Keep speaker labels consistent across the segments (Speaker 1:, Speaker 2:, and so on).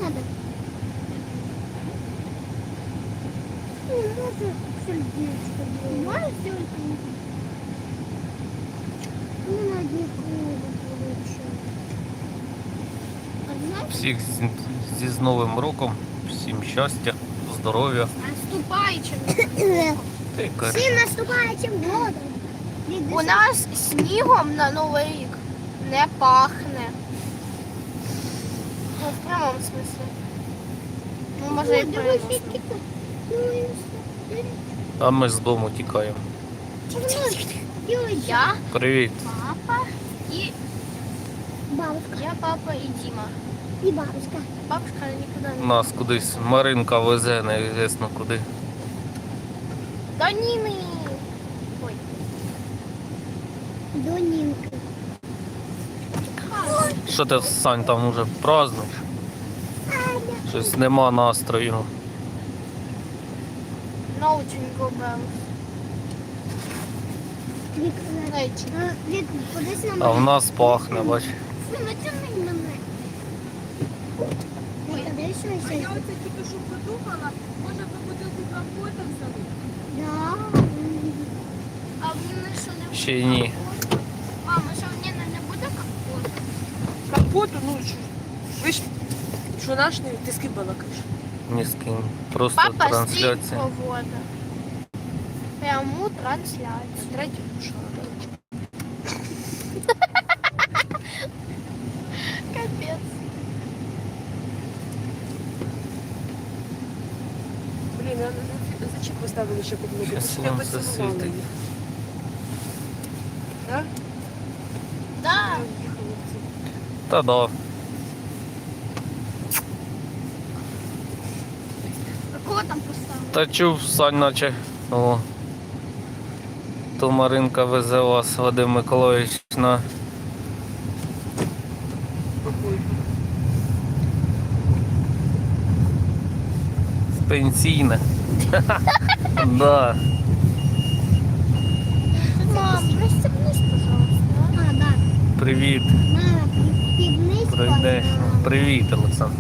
Speaker 1: надо? Не надо сердечко. Можешь сделать? Не надо никого получить. А знаешь?
Speaker 2: Всіх з Новим роком, всім щастя, здоров'я.
Speaker 3: Наступаючим.
Speaker 2: Ти кажеш.
Speaker 1: Всім наступаючим годом.
Speaker 3: У нас снігом на Новий рік не пахне. Ну, в прямому смислі. Ну, може і в прямому.
Speaker 2: А ми з дому тікаємо.
Speaker 3: Я,
Speaker 2: Привіт.
Speaker 3: папа і
Speaker 1: Бабушка.
Speaker 3: я, папа і Діма.
Speaker 1: І бабушка.
Speaker 3: Бабушка нікуди не.
Speaker 2: Нас кудись Маринка везе, неізвісно куди.
Speaker 3: До Ніни. Ой.
Speaker 1: До Нінки.
Speaker 2: Що ти, Сань, там уже празднуєш? Щось нема настрою.
Speaker 3: Научень губив.
Speaker 1: Вік,
Speaker 3: Знаєте.
Speaker 1: Вік, подивись на
Speaker 2: А в
Speaker 1: мене.
Speaker 2: нас пахне, бач.
Speaker 1: Натягни мене. Ой, а де що
Speaker 4: А я
Speaker 1: ще?
Speaker 4: оце тільки що подумала, може ви бутилку компота взяли?
Speaker 1: Да.
Speaker 3: А в Ніни що не буде?
Speaker 2: Ще ні.
Speaker 3: Мама, що в Ніни не буде компоту?
Speaker 4: Компоту, ну що? Ви ж, що наш не, ти з ким балакаєш?
Speaker 2: Ні з ким. Просто
Speaker 3: Папа
Speaker 2: трансляція.
Speaker 3: стіль проводить. Пряму трансляцію.
Speaker 4: Третю душу.
Speaker 3: Капець.
Speaker 4: Блін, а зачем поставили ще підлогу?
Speaker 2: Ще
Speaker 4: Щоб я
Speaker 2: сонце
Speaker 4: поцілувала
Speaker 2: світить.
Speaker 4: її. Так?
Speaker 3: Да.
Speaker 2: Та да.
Speaker 3: А кого там поставили?
Speaker 2: Та чув, Сань, наче. О. То Маринка везе вас, Вадим Миколаївич, на пенсійне. Да.
Speaker 3: Мам, пристегнись, пожалуйста.
Speaker 1: А, да.
Speaker 2: Привіт.
Speaker 1: Мама, півниць.
Speaker 2: Прийдеш. Привіт, Олександр.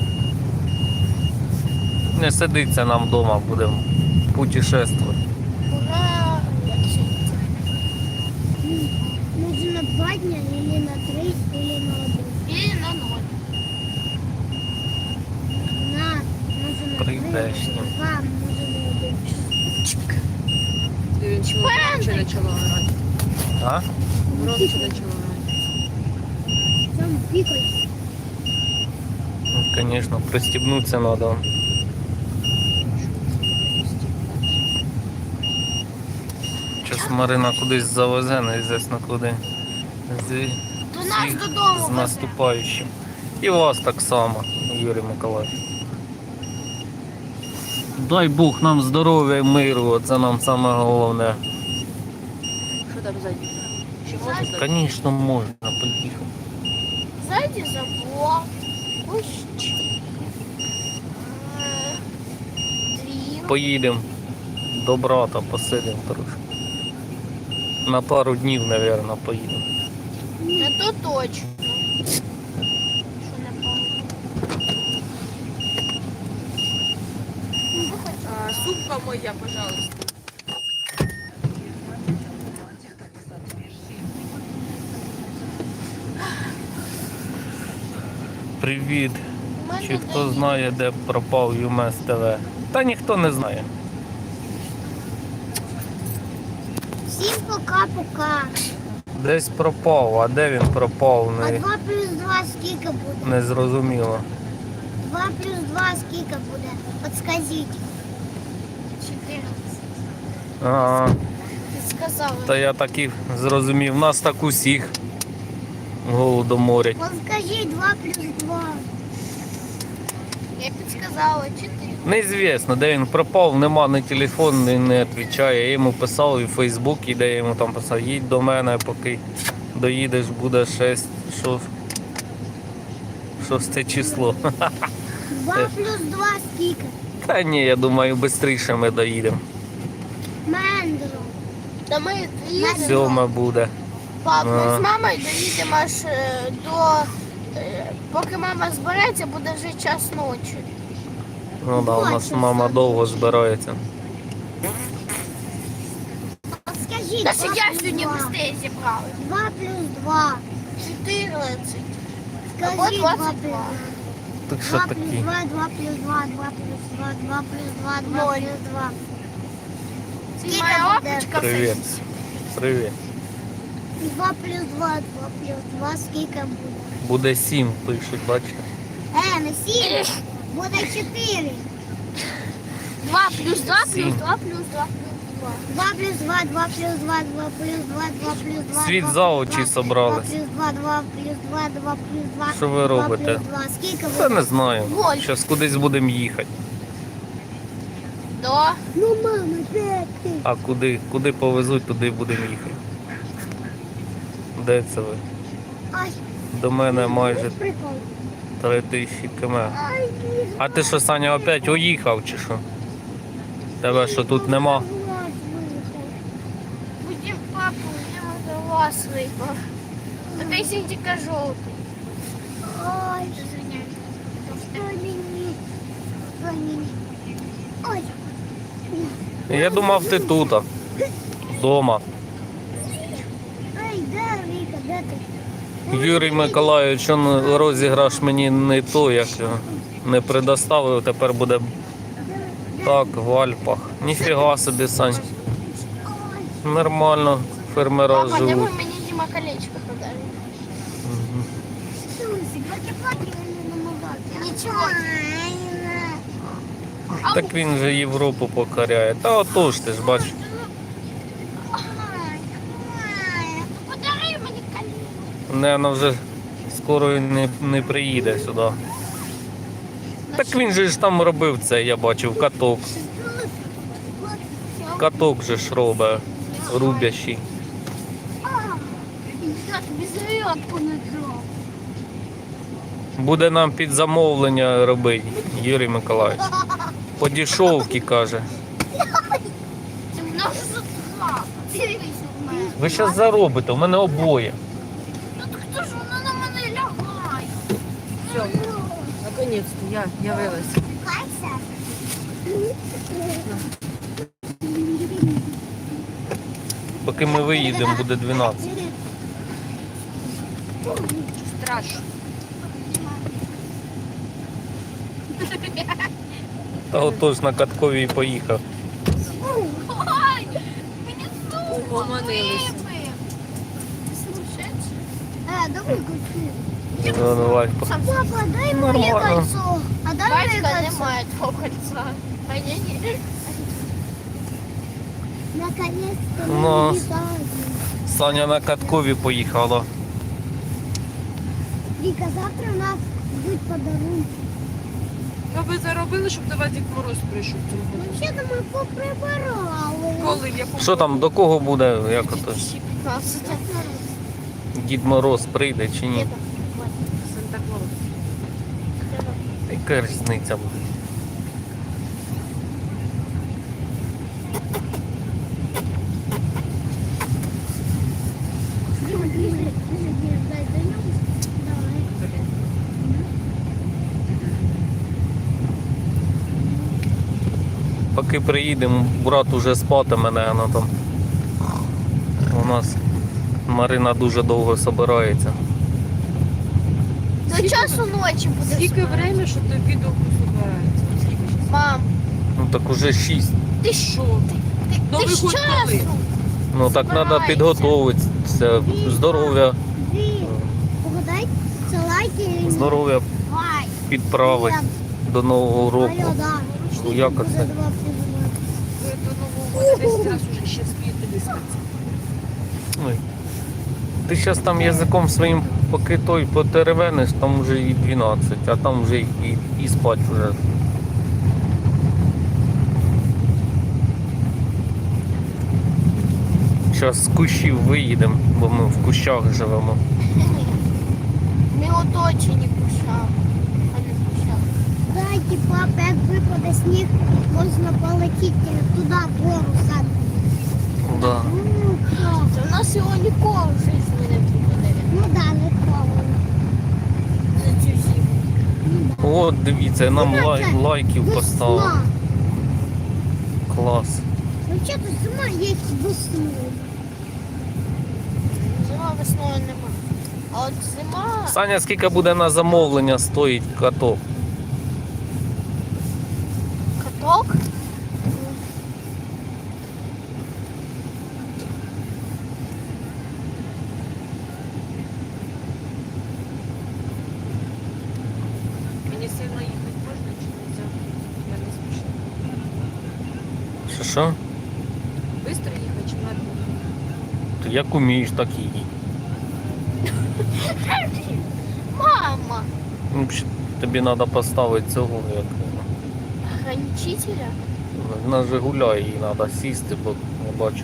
Speaker 2: Не сидиться нам вдома, будемо путешествувати.
Speaker 3: Ура!
Speaker 1: Може на 2 дня, или на 3, или на 1.
Speaker 3: Или на 0.
Speaker 1: Може на 3,
Speaker 2: Прийдеш.
Speaker 1: на 2, може на 1.
Speaker 4: Він чому громче почала орати?
Speaker 2: А?
Speaker 4: Громче почала орати.
Speaker 1: Там пікай.
Speaker 2: Ну, звісно, пристібнутися треба. Зараз Марина кудись завезе, неізвісно куди.
Speaker 3: До нас
Speaker 2: Всіх
Speaker 3: додому
Speaker 2: з
Speaker 3: везе.
Speaker 2: наступаючим. І вас так само, Юрій Миколаївич. Дай Бог нам здоров'я і миру, це нам саме головне.
Speaker 4: Що там ззаді? Ще можна ззаді?
Speaker 2: Звісно, можна поїхати.
Speaker 3: Зайди забор. Кущ. Двір.
Speaker 2: Поїдемо до брата, посидимо трошки. На пару днів, мабуть, поїдемо.
Speaker 3: Не то точно. Що не помню.
Speaker 4: А, сумка моя, пожалуйста.
Speaker 2: Привіт.
Speaker 3: У мене
Speaker 2: Чи хто
Speaker 3: день.
Speaker 2: знає, де пропав ЮМС ТВ? Та ніхто не знає.
Speaker 1: Всім пока-пока.
Speaker 2: Десь пропав, а де він пропав,
Speaker 1: А 2 плюс 2 скільки буде?
Speaker 2: не зрозуміло.
Speaker 1: 2 плюс 2 скільки буде? Подскажіть.
Speaker 3: 14.
Speaker 2: Ага,
Speaker 3: Ти сказала.
Speaker 2: та я так і зрозумів. Нас так усіх голодоморять.
Speaker 1: Подскажіть 2 плюс 2.
Speaker 3: Я підсказала 4.
Speaker 2: Неізвісно, де він пропав, нема ні телефон, не відповідає. Я йому писав і в Фейсбуці, де я йому там писав, їдь до мене, поки доїдеш, буде 6 число.
Speaker 1: 2 плюс 2 скільки?
Speaker 2: Та ні, я думаю, швидше ми доїдемо.
Speaker 1: Мендро.
Speaker 3: Та ми доїдемо.
Speaker 2: 7 буде.
Speaker 3: Пап, ми
Speaker 2: А.
Speaker 3: з мамою доїдемо аж до Поки мама збереться, буде вже час ночі.
Speaker 2: Ну да, у нас мама довго збирається.
Speaker 1: От скажіть,
Speaker 3: Та
Speaker 1: 2
Speaker 3: що я
Speaker 1: плюс
Speaker 3: сьогодні
Speaker 1: 2.
Speaker 3: быстрее зібрали.
Speaker 1: 2 плюс 2.
Speaker 3: 14.
Speaker 1: Скажіть,
Speaker 3: Або
Speaker 1: 2 плюс
Speaker 3: 22.
Speaker 1: 2.
Speaker 2: Так що
Speaker 1: 2 плюс
Speaker 2: такі?
Speaker 1: 2, 2 плюс 2, 2 плюс 2, 2 плюс 2, 2
Speaker 3: Ноль.
Speaker 1: плюс 2.
Speaker 3: Це
Speaker 1: Скільки
Speaker 3: моя
Speaker 1: буде?
Speaker 3: лапочка
Speaker 2: Привіт.
Speaker 3: садиться.
Speaker 2: Привіт.
Speaker 1: 2 плюс 2, 2 плюс 2, скільки буде?
Speaker 2: Буде 7, пишуть, бачите?
Speaker 1: Не 7, буде 4.
Speaker 3: 2 плюс 2 плюс
Speaker 2: Сім.
Speaker 3: 2 плюс 2 плюс 2.
Speaker 1: 2 плюс 2, 2 плюс 2, 2 плюс 2, 2 плюс 2.
Speaker 2: Світ
Speaker 1: 2
Speaker 2: за
Speaker 1: плюс
Speaker 2: очі
Speaker 1: 2,
Speaker 2: собрались.
Speaker 1: 2 плюс 2, 2 плюс 2, 2 плюс 2.
Speaker 2: Що ви
Speaker 1: 2
Speaker 2: робите?
Speaker 1: плюс 2, скільки
Speaker 2: Та
Speaker 1: буде?
Speaker 2: не знаю.
Speaker 3: Ноль.
Speaker 2: Зараз кудись будемо їхати.
Speaker 3: Да.
Speaker 1: Ну, мама, де ти?
Speaker 2: А куди повезуть, туди будемо їхати. Де це ви?
Speaker 1: Ай,
Speaker 2: До мене майже
Speaker 1: прикол.
Speaker 2: 3000 км.
Speaker 1: Ай, ні.
Speaker 2: А ти що, Саня, опять уїхав чи що? Тебе що тут нема?
Speaker 1: Глаз виїхав.
Speaker 3: Будем папу, будемо до вас випав. А ти сінтика жовтий.
Speaker 1: Ой,
Speaker 3: Извиняюсь.
Speaker 1: що мені? Що мені? Ой,
Speaker 2: Я думав, ти тут, вдома.
Speaker 1: ай, де Віка, де ти?
Speaker 2: Юрій Миколайович, он розіграш мені не то, як його не предоставив, тепер буде так в Альпах. Ніфіга собі, Сань.
Speaker 1: Ой,
Speaker 2: Нормально фермера
Speaker 3: Папа,
Speaker 2: живуть.
Speaker 3: давай мені Діма колечко подарив.
Speaker 2: Мгм.
Speaker 1: Сусі, плаки-плаки не намагався.
Speaker 3: Нічого.
Speaker 2: Так він же Європу покоряє. Та отож ти ж бачиш.
Speaker 3: Подари мені колечко.
Speaker 2: Наверно, вже скоро він не приїде сюди. Так він же ж там робив це, я бачив, каток. Каток же ж робить, рубящий.
Speaker 1: Я тобі зарядку не дав.
Speaker 2: Буде нам під замовлення робити, Юрій Миколаївич. По дешевці, каже.
Speaker 3: Ти в нас затла. Дивись у мене.
Speaker 2: Ви зараз заробите, у мене обоє.
Speaker 3: Ну так хто ж воно на мене лягає?
Speaker 4: Все, наконец-то я вилась.
Speaker 1: Кайся.
Speaker 2: Поки ми виїдемо, буде 12.
Speaker 4: Страшно.
Speaker 2: Та отож на катковій поїхав.
Speaker 3: Ой, мені зуб
Speaker 4: Угомонились.
Speaker 3: вибив. Слушай,
Speaker 1: Давай купи.
Speaker 2: Ну, давай.
Speaker 1: Папа, дай моє
Speaker 2: Нормально.
Speaker 1: кольцо. А дай моє
Speaker 3: батька
Speaker 1: кольцо.
Speaker 3: немає твого кольця. А я ні.
Speaker 1: Наконец-то
Speaker 2: Ну.
Speaker 1: ми вітаємо.
Speaker 2: Саня на каткові поїхала.
Speaker 1: Віка, завтра у нас будуть подарунки.
Speaker 4: Ну ви заробили, щоб до вас Дід Мороз прийшов цього
Speaker 1: Ну,
Speaker 4: року?
Speaker 1: ще ми поприбирали.
Speaker 4: Коли? В якому
Speaker 2: Що там, до кого буде, як ото?
Speaker 3: 15.
Speaker 2: Дід Мороз прийде чи ні?
Speaker 4: Санта Клаус.
Speaker 2: Яка різниця буде?
Speaker 1: Дай до нього. Давай.
Speaker 2: Поки приїдемо, брат уже спатиме, мене там. У нас Марина дуже довго збирається.
Speaker 3: До часу ночі буде.
Speaker 4: Скільки
Speaker 3: спати.
Speaker 4: время, щоб до обіду збирається? Скільки?
Speaker 3: Мам,
Speaker 2: Ну так уже 6.
Speaker 3: ти
Speaker 4: Що?
Speaker 3: ти
Speaker 4: Новий
Speaker 3: ж
Speaker 4: год коли?
Speaker 3: часу.
Speaker 2: Ну так треба
Speaker 3: Збирається.
Speaker 2: підготуватися. Здоров'я,
Speaker 1: Дві. Погадай, це лайки. і-
Speaker 2: здоров'я
Speaker 1: Лайк.
Speaker 2: підправити до Нового року.
Speaker 1: Алло, да.
Speaker 2: Ну, як
Speaker 1: Буде
Speaker 2: оце?
Speaker 1: 2 плюс 2.
Speaker 4: Ви до Нового року 10 разів вже ще спієте дискатися.
Speaker 2: Ой. Ти зараз там язиком своїм поки той потеревениш, там вже і 12, а там вже і спать вже. Зараз з кущів виїдемо, бо ми в кущах живемо.
Speaker 3: Ми оточені кушами. А не кушами.
Speaker 1: Дайте, папа, як випаде сніг, можна полетіти туди, вгору сад.
Speaker 2: Да.
Speaker 1: Ну, так.
Speaker 3: Це в нас його ніколи в житті не буде.
Speaker 1: Ну да, не холодно.
Speaker 2: От, дивіться, нам лайків поставили.
Speaker 1: Весна.
Speaker 2: Клас.
Speaker 1: Взагалі зима є весною.
Speaker 3: Зима весною нема. А от зима...
Speaker 2: Саня, скільки буде на замовлення стоїть каток?
Speaker 3: Каток?
Speaker 4: Мені сильно їхати можна чи нельзя? Я не спішу.
Speaker 2: Що?
Speaker 4: Быстро їхати чи медленно?
Speaker 2: Ти як умієш, так і їдь.
Speaker 3: Мама!
Speaker 2: Ну, тобі треба поставити цього, як
Speaker 3: Ограничителя?
Speaker 2: на Жигуля її треба сісти, бо не бачу.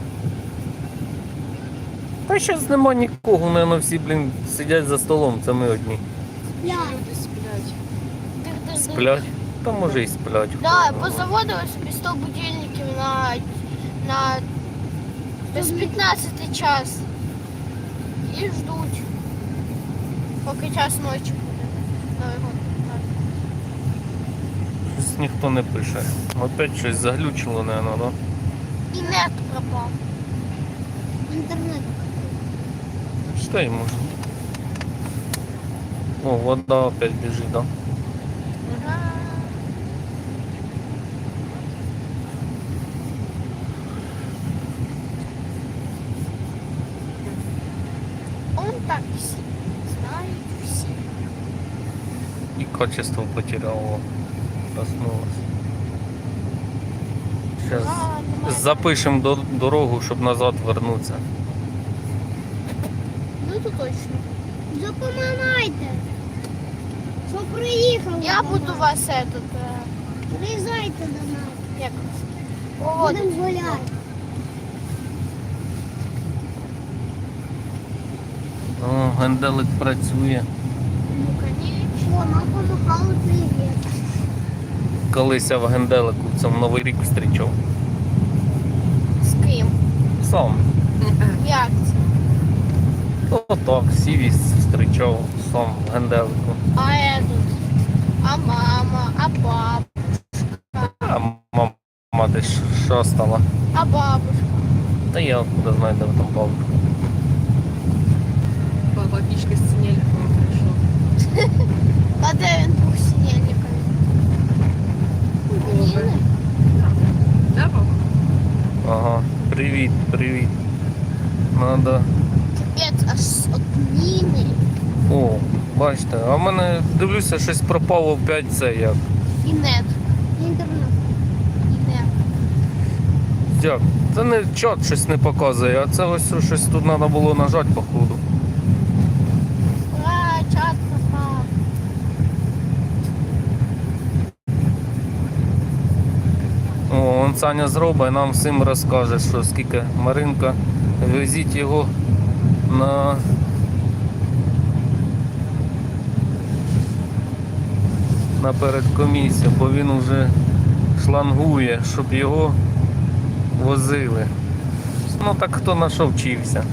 Speaker 2: Та зараз нема нікого, наверное, всі, блін, сидять за столом, це ми одні.
Speaker 1: Я.
Speaker 4: Люди сплять.
Speaker 3: Дих-дих-дих.
Speaker 2: Сплять? Та може і сплять.
Speaker 3: Да, позаводили собі 100 будильників на без 15 час. І ждуть, поки час ночі буде. Новий год.
Speaker 2: Щось ніхто не пише. Опять щось заглючило, наверное, да?
Speaker 3: І нет пропав.
Speaker 1: Інтернет.
Speaker 2: Читай, може. О, вода опять біжить, да?
Speaker 3: Он так всі. Знають всі.
Speaker 2: І качество потеряло. Проснулось. Зараз запишемо дорогу, щоб назад вернутися.
Speaker 3: Ну то точно.
Speaker 1: Запоминайте, що приїхав.
Speaker 3: Я буду вас этот,
Speaker 1: Приїжджайте до нас.
Speaker 3: як проводити.
Speaker 1: Будемо гуляти.
Speaker 2: О, генделик працює.
Speaker 3: Ну, конечно.
Speaker 1: О, нам помахали привіт.
Speaker 2: Колись я в генделику в цьому Новий рік зустрічав.
Speaker 3: З ким?
Speaker 2: Сам.
Speaker 3: Як це?
Speaker 2: Отак, сівість зустрічав сам в генделику.
Speaker 3: А этот? А мама? А папа?
Speaker 2: А мама ти що стала?
Speaker 3: А бабушка?
Speaker 2: Та я куди знаю, де там бабушка.
Speaker 4: Баба пішки з синельником прийшов.
Speaker 3: А де він був синельниками? Ніни?
Speaker 4: Да, баба?
Speaker 2: Ага, привіт, привіт. Надо.
Speaker 3: Капець, аж от Ніни.
Speaker 2: О, бачите, а в мене дивлюся, щось пропало опять це як.
Speaker 3: І нет.
Speaker 1: Інтернет.
Speaker 3: І нет.
Speaker 2: Як? Це не чат щось не показує, а це ось щось тут треба було нажати, походу.
Speaker 3: Ура, чат пропав.
Speaker 2: О, он Саня зробить, нам всім розкаже, що скільки Маринка. Везіть його на передкомісію, бо він вже шлангує, щоб його возили. Ну так хто на що вчився?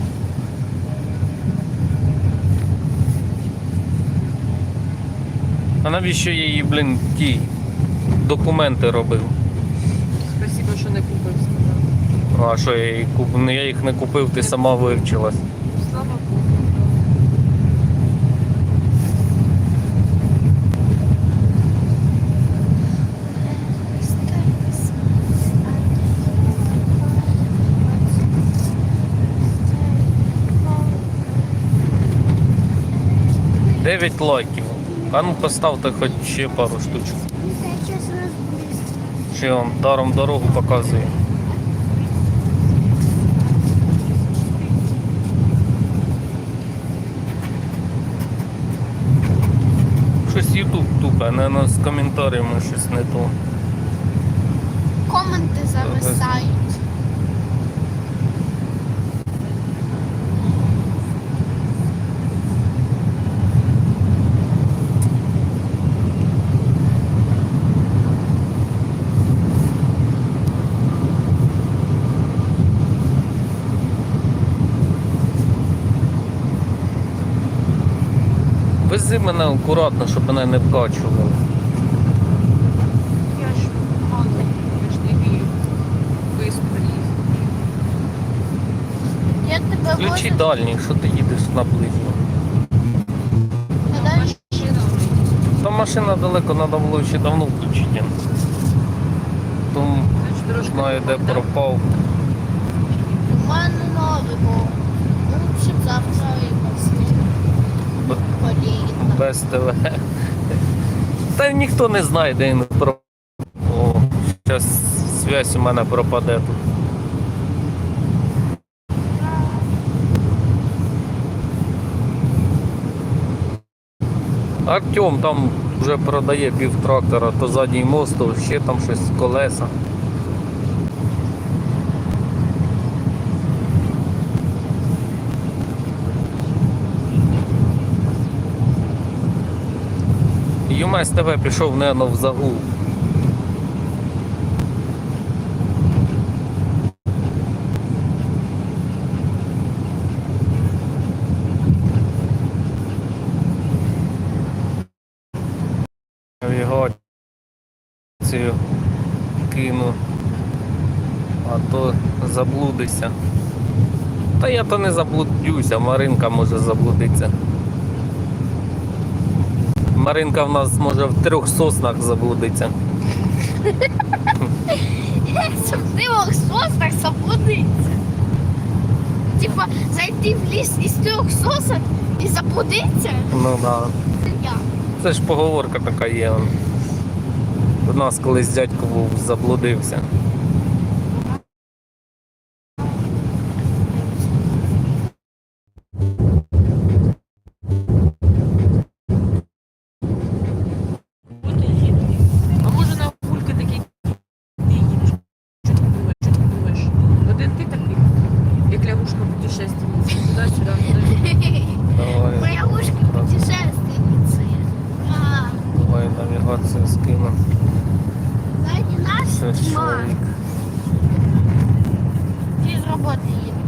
Speaker 2: А навіщо я їй, блін, ті документи робив?
Speaker 4: Спасибо, що не купив, сказав.
Speaker 2: А що я її купив? Я їх не купив, ти сама вивчилась.
Speaker 4: Слава Богу.
Speaker 2: Дев'ять лайків. А ну поставте хоч ще пару штучок.
Speaker 1: Я зараз розбуюсь.
Speaker 2: Ще вам даром дорогу показує. Щось YouTube тупе, наверное, з коментарями щось не то.
Speaker 3: Коменти зависають.
Speaker 2: Вези мене акуратно, щоб мене не вкачувало.
Speaker 4: Я ж мало, я ж не вірю. Виспали.
Speaker 3: Я тебе
Speaker 2: Включи
Speaker 3: возу.
Speaker 2: дальній, що ти їдеш на ближню.
Speaker 3: Подальше.
Speaker 4: Машина.
Speaker 2: Та машина далеко, треба було ще давно включити. Тому
Speaker 4: Значить, трошки
Speaker 2: знаю, де
Speaker 4: да?
Speaker 2: пропав.
Speaker 3: У мене новий був. Лучше б завтра їхав
Speaker 2: Б-
Speaker 3: поліїхав.
Speaker 2: Без ТВ. Та ніхто не знає, де він пропав. О, зараз зв'язь у мене пропаде тут. Артем там вже продає пів трактора, то задній мост, то ще там щось колеса. ЮМС ТВ пішов, наверно, в загул. Навігацію кину, а то заблудишся. Та я то не заблудюся, Маринка може заблудитися. Маринка в нас може в 3 соснах заблудиться.
Speaker 3: Щоб ти мог соснах заблудитися. Типа зайти в ліс із 3 сосок і заблудитися?
Speaker 2: Ну да.
Speaker 3: Це я.
Speaker 2: Це ж поговорка така є. У нас колись дядько був, заблудився.
Speaker 4: От і їду. А може на пульки такі ти їдеш? Що ти думаєш? Що ти думаєш? Один ти такий, як лягушка путешественниця. Туди-сюди, туди.
Speaker 2: Давай,
Speaker 3: Моя ушка путешественница.
Speaker 2: давай навігацію скину.
Speaker 3: Сзади нас
Speaker 2: Це
Speaker 3: тьма.
Speaker 2: чоловік.
Speaker 3: Ти з роботи їду.